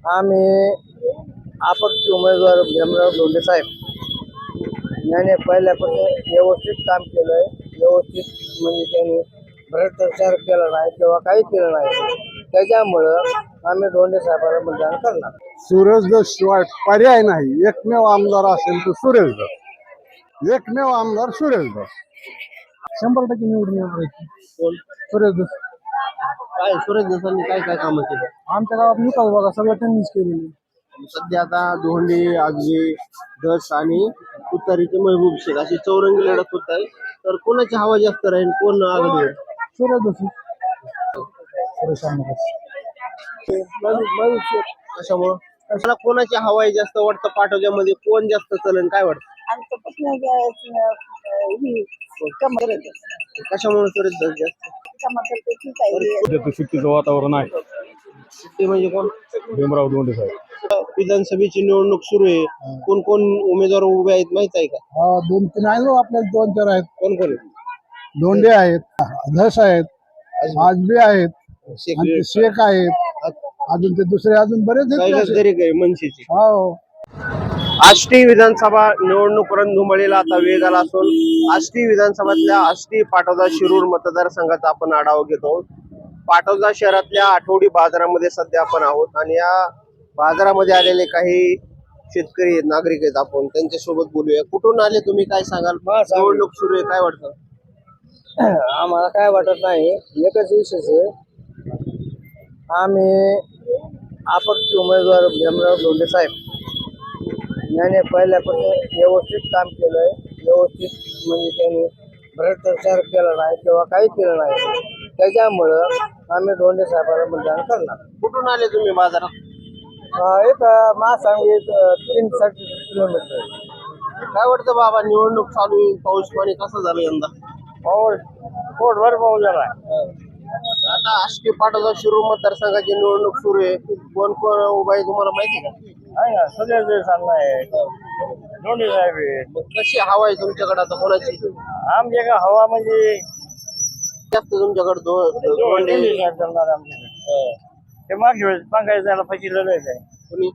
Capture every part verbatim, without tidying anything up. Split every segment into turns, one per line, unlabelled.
आम्ही अपक्ष उमेदवार भीमराव धोंडे साहेब याने पहिल्यापासून व्यवस्थित काम केलंय. व्यवस्थित म्हणजे त्यांनी भ्रष्टाचार केला नाही किंवा काही केलं नाही. त्याच्यामुळं आम्ही धोंडे साहेबांना मतदान करणार.
सुरेश धस शिवाय पर्याय नाही. एकमेव आमदार असेल तर सुरेश धस. एकमेव आमदार सुरेश धस. शंभर टक्के निवडून येणार आहे.
कोण?
सुरेश धस.
काय सुरेश धसांनी काय काय कामं केली?
आमच्या गावात विकास बघा सगळं त्यांनीच केलेलं.
सध्या आता धोंडे, आगवे, धस आणि तुतारीचे महबूब शेख अशी चौरंगी लढत होत आहे. तर कोणाची हवा जास्त राहील? कोण आघाडीवर?
सुरेश धस. सुरेश आमदार.
कशामुळं? मला कोणाची हवा आहे जास्त वाटतं? पाटोद्यामध्ये कोण जास्त चलन काय वाटतं? कशामुळे सुरेश धस जास्त?
सुट्टीचं वातावरण आहे.
ते म्हणजे कोण?
भीमराव धोंडे साहेब.
विधानसभेची निवडणूक सुरू आहे. कोण कोण उमेदवार उभे आहेत माहित आहे का?
हा दोन तीन आहे ना आपल्याला. दोन चार आहेत.
कोण कोण?
धोंडे आहेत, धस आहेत, आजबे आहेत, आणि ते शेख आहेत. अजून ते दुसरे अजून बरेच आहेत.
तरी काय मनसेची?
हो.
आष्टी विधानसभा निवडणूक रणधुमाळीला आता वेग आला असून आष्टी विधानसभातल्या आष्टी पाटोदा शिरूर मतदारसंघाचा आपण आढावा घेतो. पाटोदा शहरातल्या आठवडी बाजारामध्ये सध्या आपण आहोत आणि या बाजारामध्ये आलेले काही शेतकरी आहेत, नागरिक आहेत. आपण त्यांच्यासोबत बोलूया. कुठून आले तुम्ही? काय सांगाल? निवडणूक सुरू आहे, काय वाटतं?
आम्हाला काय वाटत नाही. एकच विशेष आहे, आम्ही अपक्ष उमेदवार भीमराव धोंडे साहेब याने पहिल्यापासून व्यवस्थित काम केलंय. व्यवस्थित म्हणजे त्यांनी भ्रष्टाचार केला नाही किंवा काही केलं नाही. त्याच्यामुळं आम्ही धोंडे साहेबांना मतदान करणार.
कुठून आले तुम्ही बाजारात?
एक महासांगवी तीन साठ किलोमीटर.
काय वाटतं बाबा, निवडणूक चालू आहे, पाऊस पाणी कसं झालं यंदा?
पाऊस पोटभर पाऊस झाला.
आता आष्टी पाटोदा शिरूर मतदारसंघाची निवडणूक सुरू आहे. कोण कोण उभा आहे तुम्हाला माहिती आहे का?
आहे ना, सगळ्याच सांगणं आहे. धोंडे साहेब आहे.
मग कशी हवा आहे तुमच्याकडे आता? कोणाची
आमच्या का हवा म्हणजे
जास्त तुमच्याकडे?
धोंडे साहेब चालणार आमच्याकडे. ते मागच्या वेळेस पंकज त्याला फसिलेलं आहे.
कुणी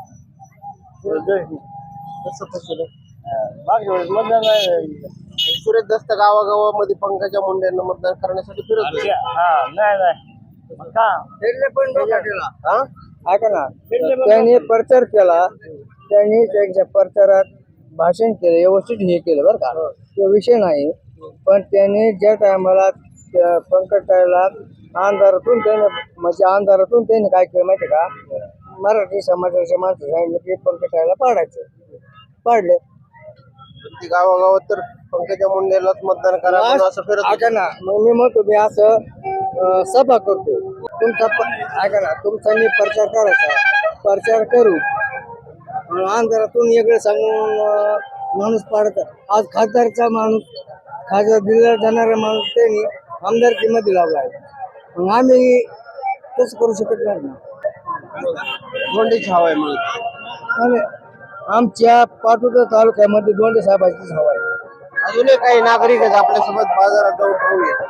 मागच्या
कसं फसवलं?
वेळेस मतदान नाही.
सुरेश दस्त गावागावामध्ये पंकजा मुंडेंना मतदान करण्यासाठी फिरत होते.
हा नाही नाही का
हा?
ऐका ना, त्यांनी प्रचार केला. त्यांनी त्यांच्या प्रचारात भाषण केलं, व्यवस्थित हे केलं बरं का, तो विषय नाही. पण त्यांनी ज्या टायमाला पंकजाला आमदारातून त्याने म्हणजे आमदारातून त्यांनी काय केलं माहिती का, मराठी समाजाच्या माणसं सांगितलं की पंकजाला पाडायचं. पाडले.
ती गावागावात तर पंकजा मुंडेलाच मतदान करा म्हणून असं फिरत होते.
ऐका ना, मग मी म्हणतो मी असं अं, सभा करतो. तुमचा प- ऐका ना, तुमचा मी प्रचार करायचा, प्रचार करू. अं, आमदारातून वेगळं सांगून अं, माणूस पाडत. आज खासदारचा माणूस, खासदार दिला जाणारा माणूस त्यांनी आमदारकीमध्ये लावला आहे. मग आम्ही तसं करू शकत नाही ना.
धोंडेची हवा आहे म्हणून.
आणि आमच्या पाटोदा तालुक्यामध्ये धोंडे साहेबांचीच हवा आहे.
अजूनही काही नागरिक आहेत आपल्यासोबत बाजारात जाऊन पाहूया.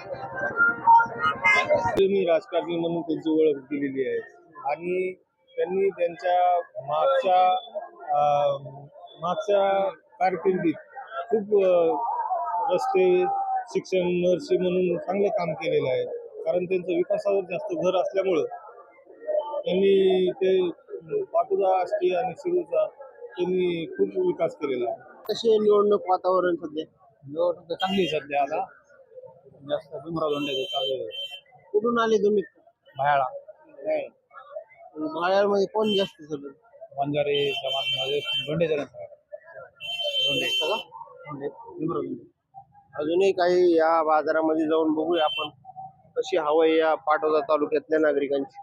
मी राजकारणी म्हणून त्यांची ओळख दिलेली आहे आणि त्यांनी त्यांच्या मागच्या अं, मागच्या कारकिर्दीत खूप अं, रस्ते, शिक्षण, नर्सी म्हणून चांगलं काम केलेलं आहे. कारण त्यांचं विकासावर जास्त भर असल्यामुळं त्यांनी ते पाटोदा, आष्टी आणि शिरूरचा त्यांनी खूप विकास केलेला आहे.
कशी आहे निवडणूक वातावरण सध्या?
निवडणूक तर चांगली आहे सध्या. आता जास्त भीमराव धोंडे चालू आहे.
कुठून आले तुम्ही?
भायाळा
भाड्यामध्ये कोण जास्त सगळं?
वंजारे समाजमध्ये धोंडे जण धोंडे
सगळं? अजूनही काही या बाजारामध्ये जाऊन बघूया आपण कशी हवा आहे या पाटोदा तालुक्यातल्या नागरिकांची.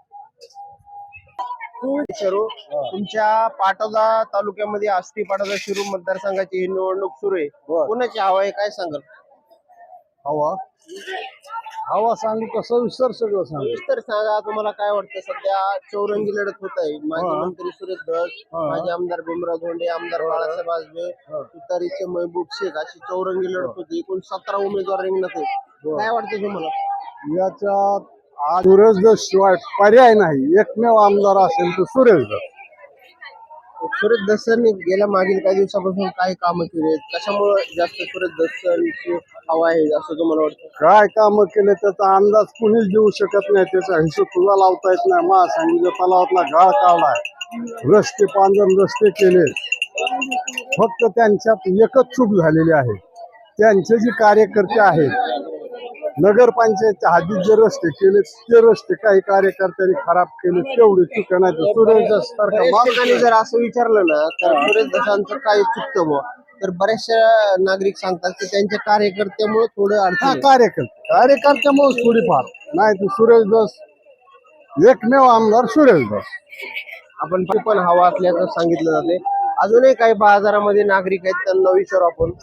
शरू, तुमच्या पाटोदा तालुक्यामध्ये आष्टी पाटोदा शिरूर मतदारसंघाची ही निवडणूक सुरू आहे. कोणाची हवा आहे काय सांगाल?
हवा हवा सांगू कसं विसर सगळं सांगू.
सविस्तर सांगा, तुम्हाला काय वाटतं? सध्या चौरंगी लढत होत आहे. माजी मंत्री सुरेश धस, माजी आमदार भीमराव धोंडे, आमदार बाळासाहेब आजबे, तुतारीचे महबूब शेख अशी चौरंगी लढत होती. एकूण सतरा उमेदवार रिंगणात आहेत. काय वाटतं तुम्हाला?
याच्यात आज सुरेश दस शिवाय पर्याय नाही. एकमेव आमदार असेल तर सुरेश दस.
सुरेश दसांनी गेल्या मागील काही दिवसापासून काय कामं केली आहेत, कशामुळे जास्त सुरेश दसांची हवा आहे असं तुम्हाला वाटतं?
काय कामं केले त्याचा अंदाज कुणीच देऊ शकत नाही. त्याचा हिशोब तुला लावता येत नाही. महासंघ तलावातला गाळ काढलाय, रस्ते पांजर रस्ते केले. फक्त त्यांच्यात एकच चूक झालेली आहे. त्यांचे जे कार्यकर्ते आहेत नगरपंचायतच्या हद्दीत जे रस्ते केले ते रस्ते काही कार्यकर्त्यांनी खराब केले, तेवढे चुका नाही. सुरेश दस सारखा
बऱ्याच
माणूस
ठिकाणी जर असं विचारलं ना तर सुरेश दसांचं काय चुकतं बुवा, तर बऱ्याचशा नागरिक सांगतात की त्यांच्या कार्यकर्त्यामुळे थोडं
हा
अडचण आहे.
कार्यकर्ते कार्यकर्त्यामुळे थोडीफार नाही तर सुरेश दस एकमेव आमदार सुरेश दस.
आपण ते पण हवा असल्याचं सांगितलं जाते. अजूनही काही बाजारामध्ये नागरिक आहेत, त्यांना विचारू आपण.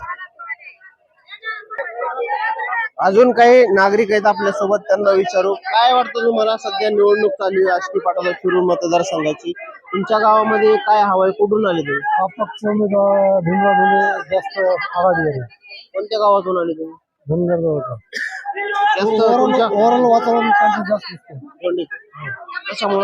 अजून काही नागरिक आहेत आपल्या सोबत, त्यांना विचारू. काय वाटतं तुम्हाला, सध्या निवडणूक चालू आहे आष्टी पाटोदा शिरूर मतदारसंघाची, तुमच्या गावामध्ये काय हवा आहे, कुठून आले तुम्ही?
अपक्ष उमेदवार भीमराव धोंडे जास्त आघाडीवर आहे.
कोणत्या गावातून आले तुम्ही?
धनगरगावचा
जास्त तुमच्या
ओव्हरऑल वातावरण त्यांचं जास्त असतं.
कोणते? कशामुळं?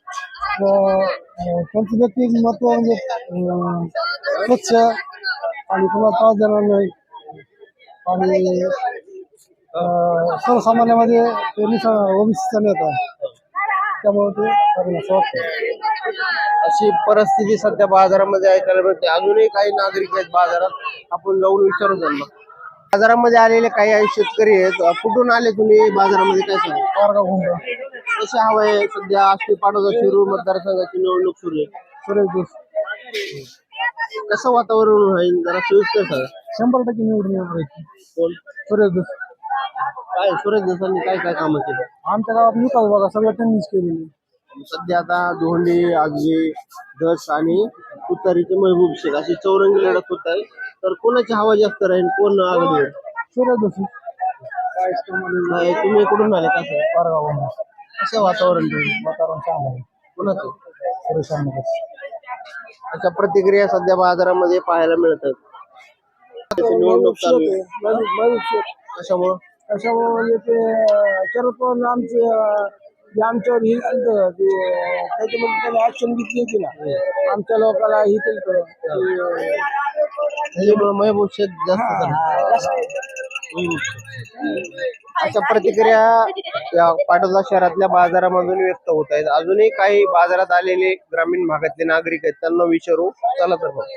अं, त्यांचं व्यक्तिमत्व म्हणजे अं, स्वच्छ आणि कुणाला त्रास देणार नाही आणि अं, सर्वसामान्यामध्ये ते ओबीसीचा नेता आहे. त्यामुळे ते त्यांना असं वाटतं.
अशी परिस्थिती सध्या बाजारामध्ये ऐकायला मिळते. अजूनही काही नागरिक आहेत बाजारात, आपण जाऊन विचारू त्यांना. बाजारामध्ये आलेले काही आहे शेतकरी आहेत. कुठून आले तुम्ही बाजारामध्ये, काय सांगा?
पारगाव घुमरा
कशी हवा आहे सध्या आष्टी पाटोदा शिरूर मतदारसंघाची निवडणूक सुरू आहे?
सुरेश दस
कसं वातावरण राहील जरा सोयीस्कर सांगा.
शंभर टक्के निवडून येणार आहे.
कोण?
सुरेश दस.
काय सुरेश दसांनी काय काय कामं केली?
आमच्या गावात विकास बघा सगळं त्यांनीच केलेली.
सध्या आता धोंडे, आगवे, दस आणि तुतारीचे महबूब शेख अशी चौरंगी लढत होत आहे. तर कोणाची हवा जास्त राहील, कोण आघाडीवर?
सुरेश दस.
नाही, तुम्ही कुठून आले? कसं
पारगाव
कसं वातावरण राहील?
वातावरण चांगलं आहे.
कोणाचं?
सुरेश दस.
अशा प्रतिक्रिया सध्या बाजारामध्ये पाहायला मिळतात. निवडणूक चालू आहे. कशामुळं?
त्याच्यामुळे म्हणजे ते शरद पवार आमचे जे आमच्यावर हे झालं ते त्याच्यामध्ये त्याने ऍक्शन घेतली होती ना, आमच्या लोकांना हे केलं होतं.
त्याच्यामुळे महबूब शेख जास्त झाले. अशा प्रतिक्रिया या पाटोदा शहरातल्या बाजारामधून व्यक्त होत आहेत. अजूनही काही बाजारात आलेले ग्रामीण भागातले नागरिक आहेत, त्यांना विचारू. चला तर मग.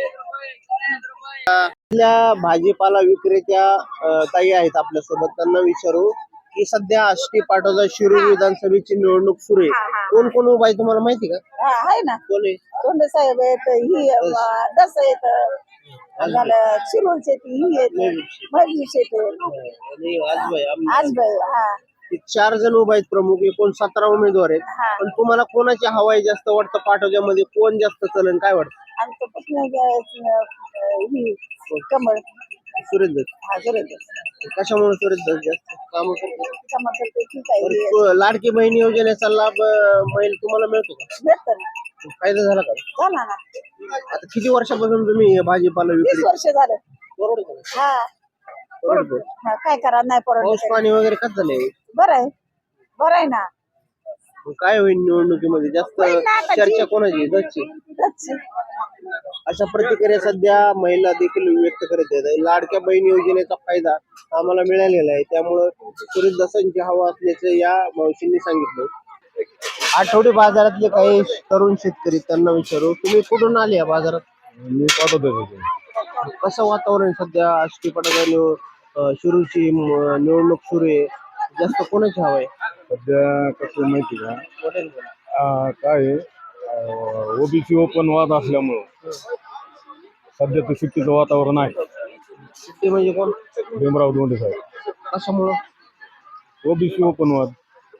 आपल्या भाजीपाला विक्रेत्या अं, ताई आहेत आपल्या सोबत, त्यांना विचारू की सध्या आष्टी पाटोदा शिरूर विधानसभेची निवडणूक सुरू आहे. कोण कोण उभा आहे तुम्हाला माहिती का?
हा आहे ना,
कोण आहे?
तोंडे साहेब आहेत, ही अं, दस आहेत, झालं शिरूरचे ती ही आहेत, महबूब शेख आहेत,
आणि आजबाई, आम-
आजबाई. हा
हे चार जण उभा आहेत प्रमुख, एकूण सतरा उमेदवार आहेत.
हा.
पण तुम्हाला कोणाची हवाई जास्त वाटतं पाटोद्यामध्ये, कोण जास्त चलन, काय वाटतं?
आमचं पत्नी ही कमळ.
सुरेश दस.
हा सुरेश
कशामुळे सुरेश दस जास्त काम करतात?
कमळ करते ठीक आहे, हे
बरं, लाडकी बहीण योजनेचा लाभ अं, महिला तुम्हाला मिळतो का?
भेटतं ना,
फायदा झाला का?
झाला ना,
आता किती वर्षापासून तुम्ही हे भाजीपाला
वीस
विक्री?
वर्ष झालं.
परवडतं का?
हा
परवडतं.
हा, काय करा नाही
पाऊस
परवडत.
पाणी वगैरे कसं झालंय?
बरं आहे, बरं आहे ना.
मग काय होईल निवडणुकीमध्ये जास्त
होईल ना आता
चर्चा
जी-
कोणाची? दसची.
दसची.
अशा प्रतिक्रिया सध्या महिला देखील व्यक्त करत आहेत. लाडक्या बहीण योजनेचा फायदा आम्हाला मिळालेला आहे, त्यामुळं सुरेश दसांची हवा असल्याचं या मावशींनी सांगितलं. आठवडी बाजारातले काही तरुण शेतकरी, त्यांना विचारू. तुम्ही कुठून आले या बाजारात?
मी पाठवतो.
कसं वातावरण सध्या आष्टी पाटोदा निव अं, शिरूरची म- निवडणूक सुरू आहे, जास्त कोणाची हवा आहे?
सध्या कसं माहिती का,
मोठ्याने बोला.
आ, काय ओबीसी ओपन वाद असल्यामुळं सध्या तर सुट्टीचं वातावरण आहे.
ते म्हणजे कोण?
भीमराव धोंडे साहेब.
कशामुळं?
ओबीसी ओपन वाद.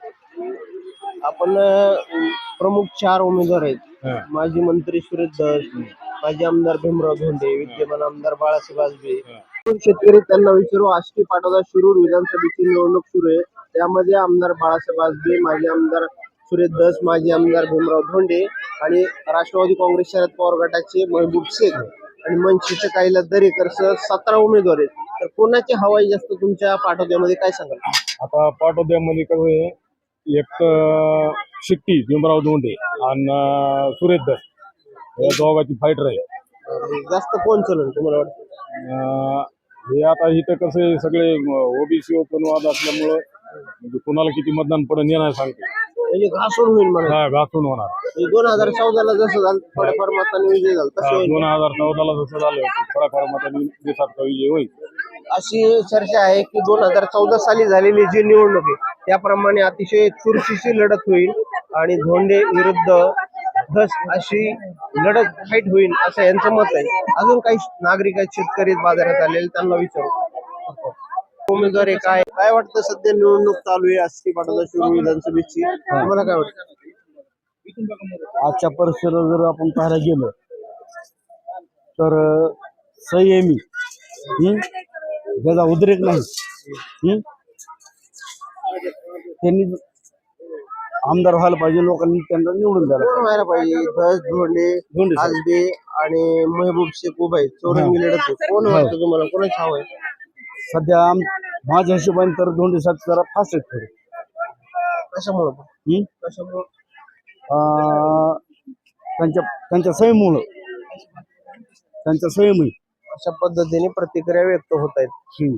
आपण अं, प्रमुख चार उमेदवार आहेत.
हा.
माजी मंत्री सुरेश दस, माजी आमदार भीमराव धोंडे, विद्यमान आमदार बाळासाहेब आजबे. शेतकरी, त्यांना विचारू. आष्टी पाटोदा शिरूर विधानसभेची निवडणूक सुरू आहे, त्यामध्ये आमदार बाळासाहेब आजबे, माजी आमदार सुरेश दस, माजी आमदार भीमराव धोंडे आणि राष्ट्रवादी काँग्रेस शरद पवार गटाचे महबूब शेख आणि मनसेचे काहीला दरेकर सह सतरा उमेदवार आहेत. तर कोणाची हवाई जास्त तुमच्या पाटोद्यामध्ये, काय सांगाल?
आता पाटोद्यामध्ये कसं आहे,
एक तर शिट्टी भीमराव धोंडे आणि सुरेश दस या दोघांची फाईट राहील.
जास्त कोण चलन तुम्हाला वाटतं?
अं, हे आता इथं कसं आहे, सगळे ओबीसी ओपन वाद असल्यामुळं म्हणजे कुणाला किती मतदान पडेल हे नाही सांगते.
म्हणजे घासून होईल म्हणा.
हा घासून होणार.
दोन हजार चौदाला जसं झालं थोड्याफार मतांनी विजय झाला तसं होईल.
दोन हजार चौदाला जसं झालं थोड्याफार मतांनी देशाचा विजय होईल.
अशी चर्चा आहे की दोन हजार चौदा साली झालेली जी निवडणूक आहे त्याप्रमाणे अतिशय चुरशीची लढत होईल आणि धोंडे विरुद्ध धस अशी लढत फाईट होईल असं यांचं मत आहे. अजून काही नागरिक आहेत, शेतकरी बाजारात आलेले, त्यांना विचारू. उमेदवार आहे काय काय वाटतं? सध्या निवडणूक चालू आहे आष्टी पाटोदा शिरूर विधानसभेची, तुम्हाला काय वाटतं?
आजच्या परिसरात जर आपण पाहायला गेलो तर संयमी हम्म, ज्याचा उद्रेक नाही हम्म, त्यांनी आमदार व्हायला पाहिजे. लोकांनी त्यांना निवडून द्यायला
कोण व्हायला पाहिजे? धस, धोंडे,
धोंडे साहेब.
आजबे आणि महबूब शेख उभा आहे. चौरंगी लढत आहे. कोण वाटतं तुम्हाला? कोणाची हवं आहे?
सध्या आम- माझ्या हिशोबाने तर दोंडे साहेब जरा फास्ट आहेत थोडे.
कशामुळं
हम्म?
कशामुळं
अं, त्यांच्या त्यांच्या सहीमुळं त्यांच्या सहीमुळे
अशा पद्धतीने प्रतिक्रिया व्यक्त होत आहेत.
हम्म.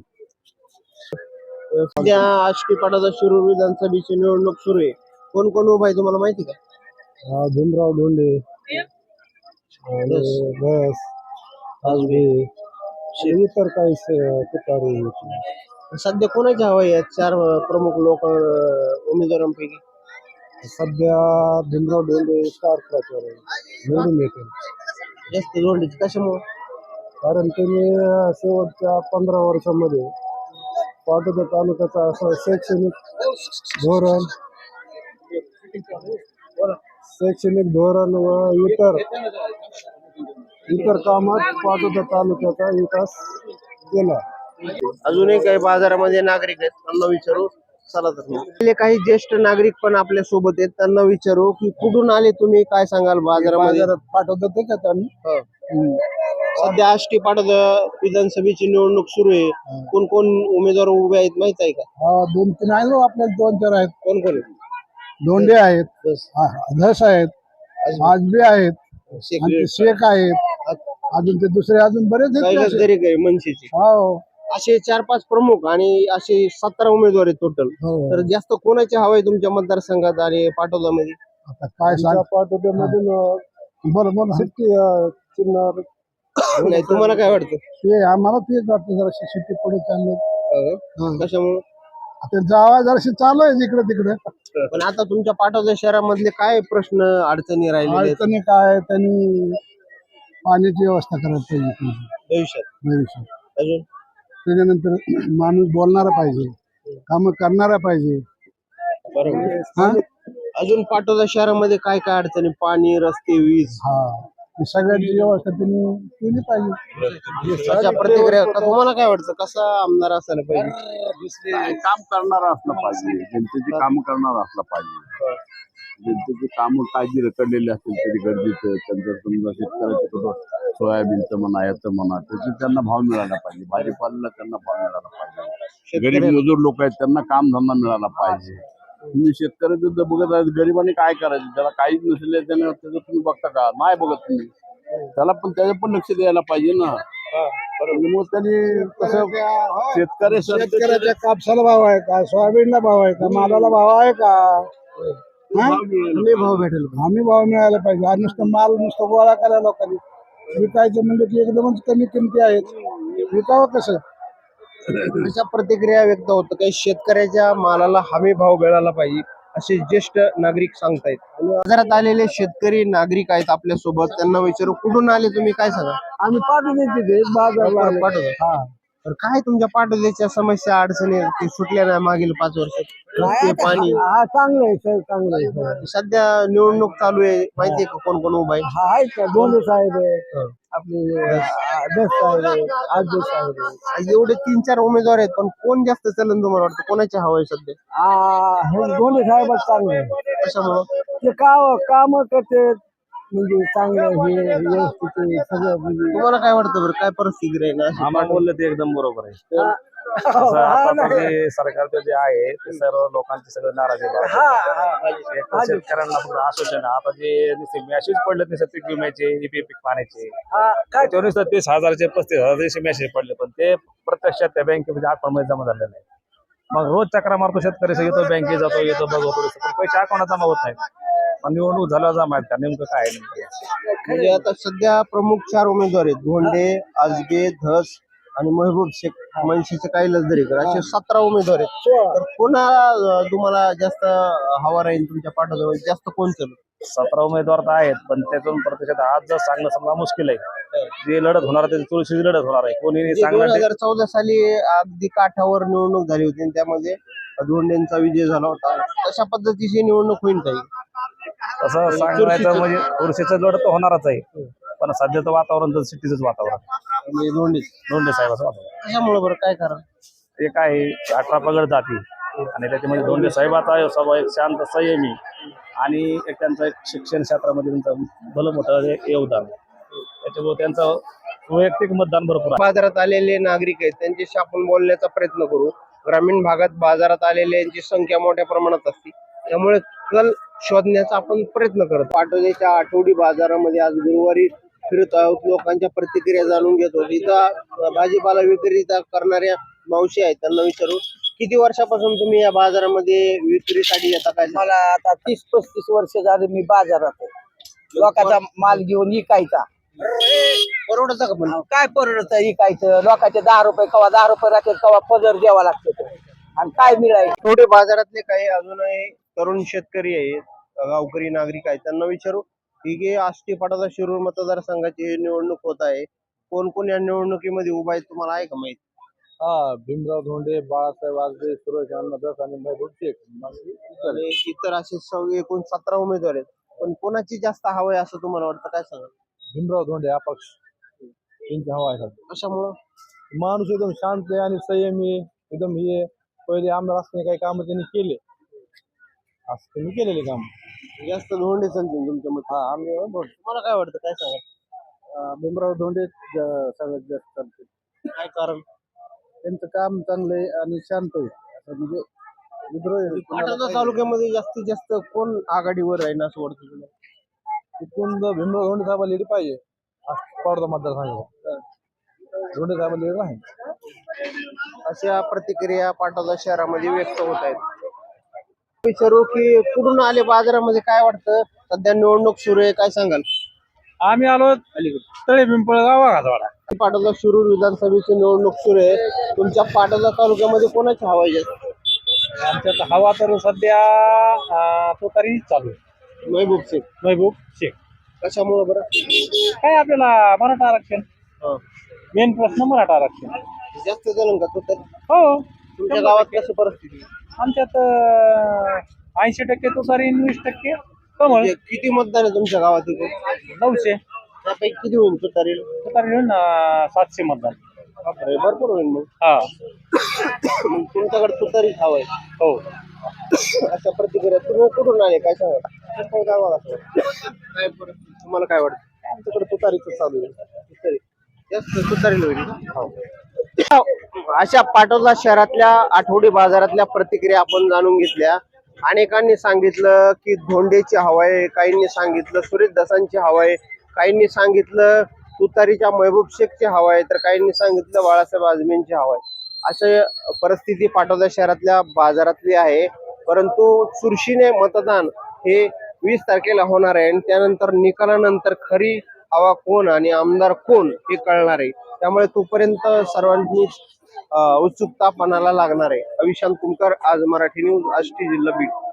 सध्या आष्टी पाटोदा शिरूर विधानसभेची निवडणूक सुरू आहे. कोण कोण उभा आहे तुम्हाला माहिती का?
हा, भीमराव धोंडे आणि बस आजबे इतर काही स- तुतारी.
सध्या कोणाची हवा आहे या चार प्रमुख लोक अं, उमेदवारांपैकी?
सध्या भीमराव धोंडे स्टार प्रचार आहे, निवडून येते.
जास्त धोंडेची कशामुळं?
कारण त्यांनी शेवटच्या पंधरा वर्षामध्ये पाटोदा तालुक्याचा असं शैक्षणिक धोरण शैक्षणिक धोरण व इतर इतर कामात पाटोदा तालुक्याचा विकास केला.
अजूनही काही बाजारामध्ये नागरिक आहेत, त्यांना विचारू. चला तर मग. आपले काही ज्येष्ठ नागरिक पण आपल्या सोबत आहेत, त्यांना विचारू की कुठून आले तुम्ही, काय सांगाल बाजारामध्ये?
बाजारात पाठवतात त्याच्यात आम्ही.
हो. सध्या आष्टी पाटोदा विधानसभेची निवडणूक सुरू आहे. कोण कोण उमेदवार उभे आहेत माहित आहे का?
हा, दोन तीन आहे ना आपल्याला, दोन चार आहेत.
कोण कोण?
धोंडे आहेत, हा, धस आहेत, आजबे आहेत,
शेख
आणि ते शेख आहेत, अजून ते दुसरे अजून बरेच आहेत.
कैलास
असे.
दरेक आहे मनसेची.
हो,
असे चार पाच प्रमुख आणि असे सतरा उमेदवार आहेत टोटल.
हो.
तर जास्त कोणाची हवा आहे तुमच्या मतदारसंघात आणि पाटोदामध्ये?
आता काय सांग पाठवत्यामधून बरं बरं सिट्टी चिन्ह
नाही, तुम्हाला काय वाटतं?
ते आम्हाला तेच वाटतं, जरा सिट्टी पुढे चाललं.
कशामुळे?
आता जावा जराशी चालू आहे जिकडे तिकडे.
पण आता तुमच्या पाटोदा शहरामधले काय प्रश्न अडचणी राहिलेले आहेत
अडचणी काय, त्यांनी पाण्याची व्यवस्था करायला पाहिजे
भविष्यात?
भविष्यात.
अजून
त्याच्यानंतर माणूस बोलणारा पाहिजे, काम करणारा पाहिजे.
बरोबर.
हा
अजून पाटोदा शहरामध्ये काय काय अडचणी? पाणी, रस्ते, वीज.
हा ही सगळ्याची व्यवस्था त्यांनी केली पाहिजे.
अशा प्रतिक्रिया तुम्हाला काय वाटतं? कसा आमदार असायला पाहिजे?
काय काम करणारा असलं पाहिजे, जनतेची काम करणारा असला पाहिजे. जनतेची कामं काय जी रखडलेली असतील तरी गरजेचं. त्यांचं समजा शेतकऱ्याचं कुठं सोयाबीनचं म्हणा, याचं म्हणा, त्याचे त्यांना भाव मिळाला पाहिजे. भाजीपाल्याला त्यांना भाव मिळाला पाहिजे. गरीब मजूर लोक आहेत, त्यांना काम धंदा मिळाला पाहिजे. तुम्ही शेतकऱ्याचं जर बघत आहे, गरिबांनी काय करायचं? त्याला काहीच नसले त्याने त्याचं तुम्ही बघता का? नाही बघत तुम्ही. त्याला पण त्याचं पण लक्ष द्यायला पाहिजे ना. मग त्यांनी कसं शेतकरी
शेतकऱ्याच्या कापसाला भाव आहे का, सोयाबीनला भाव आहे का, मालाला भाव आहे का? हा?
हमी भाव भेटेल.
हमी भाव मिळायला पाहिजे. आज नुसतं माल नुसतं गोळा करायला लोकांनी विकायचं म्हणजे की एकदमच कमी किमती आहेत, विकावं कसं?
अशा प्रतिक्रिया व्यक्त होतं काही शेतकऱ्याच्या मालाला हमी भाव मिळाला पाहिजे असे ज्येष्ठ नागरिक सांगतायत. बाजारात आलेले शेतकरी नागरिक आहेत आपल्या सोबत, त्यांना विचारू कुठून आले तुम्ही, काय सांगा?
आम्ही पाठवून तिथे बाजारला आलो.
पाटोदा.
हा.
तर काय तुमच्या पाटोद्याच्या समस्या अडचणी ते सुटल्या नाही मागील पाच वर्षात? रस्ते, पाणी.
हा, चांगलं आहे सर, चांगलं आहे सर.
सध्या निवडणूक चालू आहे, माहितीये का कोण कोण उभा आहे?
हा, आहेत का? दोन्ही साहेब आहे, आपले दस साहेब आहे, आठ साहेब आहे.
आज एवढे तीन चार उमेदवार आहेत, पण कोण जास्त चलन तुम्हाला वाटतं? कोणाची हवा आहे सध्या?
आ, हे दोन्ही साहेबच चांगले आहे.
कशामुळं?
ते का काम करते म्हणजे चांगलं हे व्यवस्थित आहे, सगळं म्हणजे
तुम्हाला काय वाटतं बरं? काय परिस्थिती राहील अशी?
आम्हाला बोललं ते एकदम बरोबर आहे.
असं आताचं जे सरकारचं जे आहे ते सर्व लोकांची सगळं नाराजी आहे. एक तर शेतकऱ्यांना फक्त आश्वासन आहे. आता जे मॅसेज पडले ते पीक विम्याचे ई पीक पाण्याचे त्याच्यावर नुसतं तीस हजारचे पस्तीस हजारचे मॅसेज पडले, पण ते प्रत्यक्षात त्या बँकेमध्ये अकाउंटमध्ये जमा झाले नाही. मग रोज चक्रा मारतो शेतकरी, येतो बँकेत जातो येतो बघतो पण पैसे अकाउंटात जमा होत नाहीत. मग निवडणूक झाल्यावर जमा आहेत का नेमकं काय आहे नेमकं?
म्हणजे आता सध्या प्रमुख चार उमेदवार आहेत, धोंडे, आजबे, धस आणि महबूब शेख, मनसेचे काही दरेकर, असे सतरा उमेदवार आहेत. तर कोणा अं, तुम्हाला जास्त हवा राहील तुमच्या पाठोपाठ, जास्त कोण चालू?
सतरा उमेदवार तर आहेत, पण त्यातून प्रत्यक्षात आज जर सांगणं समजा मुश्किल आहे. जे लढत होणार आहे तुळशीची लढत होणार आहे, कोणी
दोन
सांगणार
हजार चौदा साली अगदी काठावर निवडणूक झाली होती आणि त्यामध्ये धोंडेंचा विजय झाला होता. तशा पद्धतीची निवडणूक होईल काही?
तसं सांगायचं म्हणजे तुळशीचं लढत तर होणारच आहे, पण सध्याचं वातावरण तर सिटीचंच वातावरण
म्हणजे धोंडे
दोंडे साहेबाचं वातावरण.
कशामुळे बरं, काय कारण?
ते काय आहे, अठरा पगड जाती आणि त्याच्यामध्ये दोंडे साहेबाचा स्वभाव एक शांत संयमी आणि एक त्यांचा एक शिक्षण क्षेत्रामध्ये त्यांचं भलं मोठं हे योगदान, त्याच्यामुळे त्यांचं वैयक्तिक मतदान भरपूर आहे.
बाजारात आलेले नागरिक आहेत त्यांच्याशी आपण बोलण्याचा प्रयत्न करू. ग्रामीण भागात बाजारात आलेल्यांची संख्या मोठ्या प्रमाणात असते, त्यामुळे कल शोधण्याचा आपण प्रयत्न करतो. पाटोद्याच्या आठवडी बाजारामध्ये आज गुरुवारी फिरत आहोत, लोकांच्या प्रतिक्रिया जाणून घेतो. इथं भाजीपाला विक्री करणाऱ्या मावशी आहेत, त्यांना विचारू किती वर्षापासून तुम्ही या बाजारामध्ये विक्रीसाठी येता? काय
मला आता तीस पस्तीस वर्ष झाले मी बाजारात आहे. लोकांचा माल घेऊन इकायचा.
परवडतं का? पण
काय परवडत इकायचं? लोकांचे दहा रुपये कवा दहा रुपये राहते, कवा पदर द्यावा लागतो आणि काय मिळायचं?
थोडे बाजारातले काही अजूनही तरुण शेतकरी आहेत, गावकरी नागरिक आहेत, त्यांना विचारू की हे आष्टी पाटोदा शिरूर मतदारसंघाची निवडणूक होत आहे, कोण कोण या निवडणुकीमध्ये उभा आहे तुम्हाला आहे का माहित?
हा, भीमराव धोंडे, बाळासाहेब आजबे, सुरेश अन्नदास आणि महबूब शेख.
आणि इतर असे सगळे एकूण सतरा उमेदवार आहेत, पण कोणाची जास्त हवं आहे असं तुम्हाला वाटतं? काय सांगा?
भीमराव धोंडे अपक्ष त्यांची हवा आहे.
कशामुळं?
माणूस एकदम शांत आहे आणि संयमी एकदम. हे पहिले आमदार असताना काही काम त्यांनी केले, असं त्यांनी केलेले काम
जास्त धोंडे चालतील तुमच्या मत?
हा आम्ही
तुम्हाला काय वाटतं? काय सांगा?
भीमराव धोंडे सगळ्यात जास्त चालते.
काय कारण?
त्यांचं काम चांगलं आहे आणि शांत आहे, असं म्हणजे विद्रोही
पाटोदा तालुक्यामध्ये जास्तीत जास्त कोण आघाडीवर राहील असं वाटतं तुला?
तिथून जर भीमराव धोंडे साहेबाला लीड पाहिजे पाटोदा मतदारसंघाला, धोंडे साहेबाला लीड नाही.
अशा प्रतिक्रिया पाटोदा शहरामध्ये व्यक्त होत आहेत. विचारू की कुठून आले बाजारामध्ये, काय वाटतं? सध्या निवडणूक सुरू आहे, काय सांगाल?
आम्ही आलो तळे पिंपळगाव वाघाजवाडा.
पाटोदा शिरूर विधानसभेची निवडणूक सुरू आहे, तुमच्या पाटोदा तालुक्यामध्ये कोणाची हवा आहे जास्त?
आमच्यात हवा तर सध्या तो तरी चालू आहे,
महबूब शेख.
महबूब शेख.
कशामुळे बरं?
काय आपल्याला मराठा आरक्षण मेन प्रश्न, मराठा आरक्षण
जास्त झालं का? तो तर
हो.
तुमच्या गावात कशी परिस्थिती?
आमच्यात ऐंशी टक्के तुतारी, वीस टक्के कमळ.
म्हणजे किती मतदान आहे तुमच्या गावात?
नऊशे
त्यापैकी किती होईल तुतारी?
तुतारी मिळून सातशे मतदान.
बापरे, भरपूर होईल मग.
हा,
मग तुमच्याकडे तुतारीच हवं आहे?
हो.
अशा प्रतिक्रिया. तुम्ही कुठून आले, काय सांगा? काय परिस्थिती तुम्हाला काय वाटतं?
आमच्याकडे तुतारीच चालू आहे.
तुतारी जास्त तुतारीला होईल. अशा पाटोदा शहरातल्या आठवडी बाजारातल्या प्रतिक्रिया आपण जाणून घेतल्या. अनेकांनी सांगितलं की धोंडेची हवा आहे, काहींनी सांगितलं सुरेश दसांची हवा आहे, काहींनी सांगितलं तुतारीच्या महबूब शेखची हवा आहे, तर काहींनी सांगितलं बाळासाहेब आजबेंची हवा आहे. अशी परिस्थिती पाटोदा शहरातल्या बाजारातली आहे. परंतु चुरशीने मतदान हे वीस तारखेला होणार आहे आणि त्यानंतर निकालानंतर खरी हवा कोण आणि आमदार कोण हे कळणार आहे. त्यामुळे तोपर्यंत सर्वांनी उत्सुकता पणाला लागणार आहे. अविशांत कुमकर, आज मराठी न्यूज, आष्टी, जिल्हा बीड.